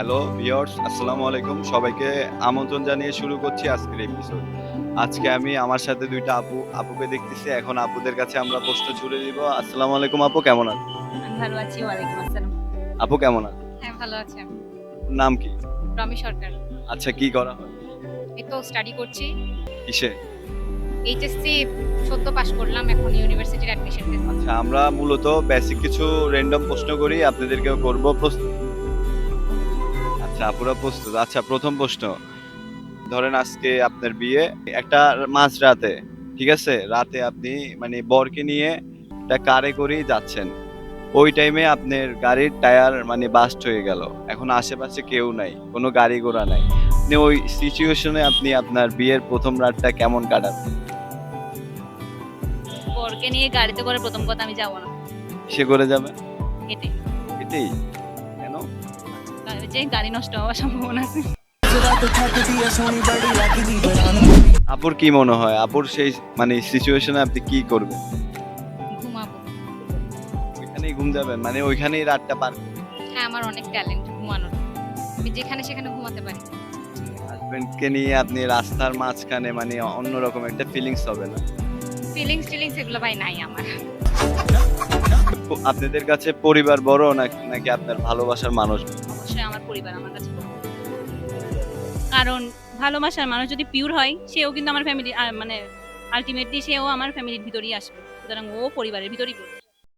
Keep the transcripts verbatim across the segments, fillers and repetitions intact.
Hello viewers, আসসালামু আলাইকুম। সবাইকে আমন্ত্রণ জানিয়ে শুরু করছি আজকের এপিসোড। আজকে আমি আমার সাথে দুই টা আপু আপুকে দেখতেছি। এখন আপুদের কাছে আমরা প্রশ্ন ছুড়ে দিব। আসসালামু আলাইকুম আপু, কেমন আছেন? আমি ভালো আছি। ওয়ালাইকুম আসসালাম। আপু কেমন আছেন? হ্যাঁ, ভালো আছি আমি। নাম কি? রমি সরকার। আচ্ছা, কি করা হয়? এই তো স্টাডি করছি। কিসে? এইচএসসি সদ্য পাস করলাম। এখন ইউনিভার্সিটির অ্যাডমিশন টেস্ট। আচ্ছা, আমরা মূলত বেসিক কিছু র‍্যান্ডম প্রশ্ন করি, আপনাদেরকেও করব। প্রস্তুত? আচ্ছা, আপুরা প্রস্তুত। আচ্ছা, প্রথম প্রশ্ন। ধরেন আজকে আপনার বিয়ে একটা মাঝরাতে, ঠিক আছে? রাতে আপনি মানে বরকে নিয়ে একটা কারে করেই যাচ্ছেন। ওই টাইমে আপনার গাড়ির টায়ার মানে বাস্ট হয়ে গেল। এখন আশেপাশে কেউ নাই, কোনো গাড়ি ঘোড়া নাই। আপনি ওই সিচুয়েশনে আপনি আপনার বিয়ের প্রথম রাতটা কেমন কাটাবেন? বরকে নিয়ে গাড়িতে করে প্রথম কথা আমি যাব না। কিসে করে যাবেন? হেঁটে। এটাই? কেন? কারণ যে গাড়ি নষ্ট হওয়ার সম্ভাবনা আছে। আপুর কি মনে হয়? আপুর সেই মানে সিচুয়েশনে আপনি কি করবেন? ঘুমাবো। ওইখানেই ঘুম যাবেন? মানে ওইখানেই রাতটা পার হ্যাঁ, আমার অনেক ট্যালেন্ট ঘুমানোর। আমি যেখানে সেখানে ঘুমাতে পারি। হাজবেন্ডকে নিয়ে আপনি রাস্তার মাঝখানে মানে অন্যরকম একটা ফিলিংস হবে না? ফিলিংস টিলিংস এগুলো ভাই নাই আমার। প- আপনাদের কাছে পরিবার বড় নাকি নাকি আপনার ভালোবাসার মানুষ? অবশ্যই আমার পরিবার আমার কাছে বড়। কারণ ভালোবাসার মানুষ যদি পিওর হয় সেও কিন্তু আমার ফ্যামিলি মানে আলটিমেটলি সেও আমার ফ্যামিলির ভিতরেই আসবে। সুতরাং ও পরিবারের ভিতরেই পড়বে।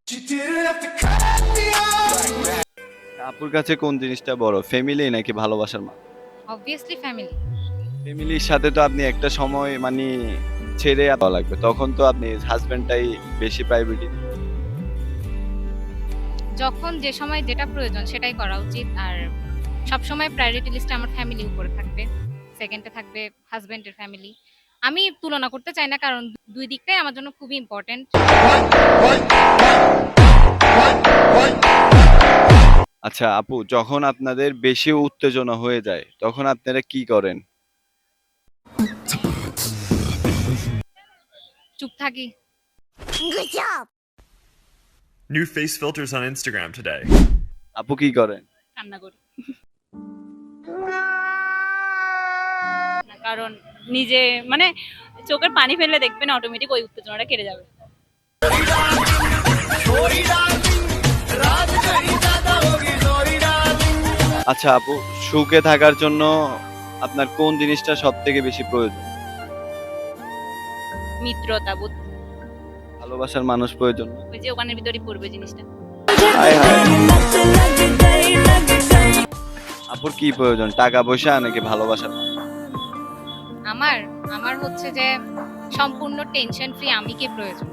আপুর কাছে কোন জিনিসটা বড়, ফ্যামিলি নাকি ভালোবাসার মানুষ? Obviously family. ফ্যামিলির সাথে তো আপনি একটা সময় মানে ছেড়ে যাওয়া লাগবে, তখন তো আপনি হাজবেন্ডটাই বেশি প্রায়োরিটি। যখন যে সময় যেটা প্রয়োজন সেটাই করা উচিত। আর সব সময় প্রায়োরিটি লিস্টে আমার ফ্যামিলি উপরে থাকবে, সেকেন্ডে থাকবে হাজবেন্ডের ফ্যামিলি। আমি তুলনা করতে চাই না, কারণ দুই দিকটাই আমার জন্য খুবই ইম্পর্টেন্ট। আচ্ছা আপু, যখন আপনাদের বেশি উত্তেজনা হয়ে যায় তখন আপনারা কি করেন? চুপ থাকি। New face filters on Instagram today. আপু কি করেন? কান্না করি। না, কারণ নিজে মানে চোখের পানি ফেললে দেখবেন অটোমেটিক ওই উত্তেজনাটা কেটে যাবে। আচ্ছা আপু, সুখে থাকার জন্য আপনার কোন জিনিসটা সব থেকে বেশি প্রয়োজন? মিত্রতা বোধ। ভালোবাসার মানুষ প্রয়োজন না? ওই যে ওখানের ভিতরেই পড়বে জিনিসটা। হায় হায়। আপুর কি প্রয়োজন, টাকা পয়সা নাকি ভালোবাসার মানুষ? আমার আমার হচ্ছে যে সম্পূর্ণ টেনশন ফ্রি আমিকে প্রয়োজন।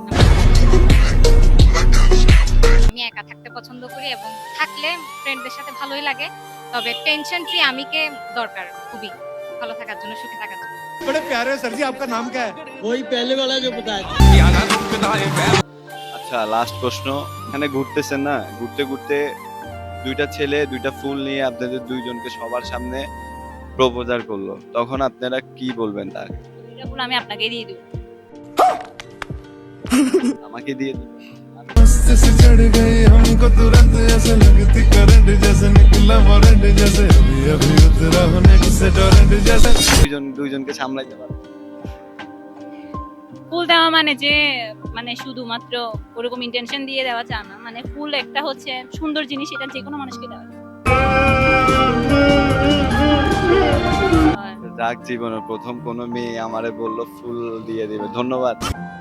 আমি একা থাকতে পছন্দ করি এবং থাকলে ফ্রেন্ডদের সাথে ভালোই লাগে, তবে টেনশন ফ্রি আমিকে দরকার খুবই ভালো থাকার জন্য, সুখে থাকার জন্য। बड़े प्यारे सर जी, आपका नाम क्या है? वही पहले वाला जो बताया। আচ্ছা, লাস্ট প্রশ্ন। এখানে ঘুরতেছেন না, ঘুরতে ঘুরতে দুইটা ছেলে দুইটা ফুল নিয়ে আপনাদের দুইজনকে সবার সামনে প্রপোজাল করলো, তখন আপনারা কি বলবেন তার? এটা বলে আমি আপনাকে দিয়ে দিব। আমাকে দিয়ে দিন। मस्त से चढ़ गई हमको तुरंत, ऐसे लगती करंट जैसे निकला वारंट जैसे अभी अभी उतरा होने से टोरेंट जैसे। দুইজন দুইজনকে সামলাইতে পারবেন? ফুল দেওয়া মানে যে মানে শুধুমাত্র ওরকম ইন্টেনশন দিয়ে দেওয়া যায় না, মানে ফুল একটা হচ্ছে সুন্দর জিনিস, এটা যে কোনো মানুষকে দেওয়া যায়। যাক, জীবনের প্রথম কোনো মেয়ে আমারে বললো ফুল দিয়ে দিবে। ধন্যবাদ।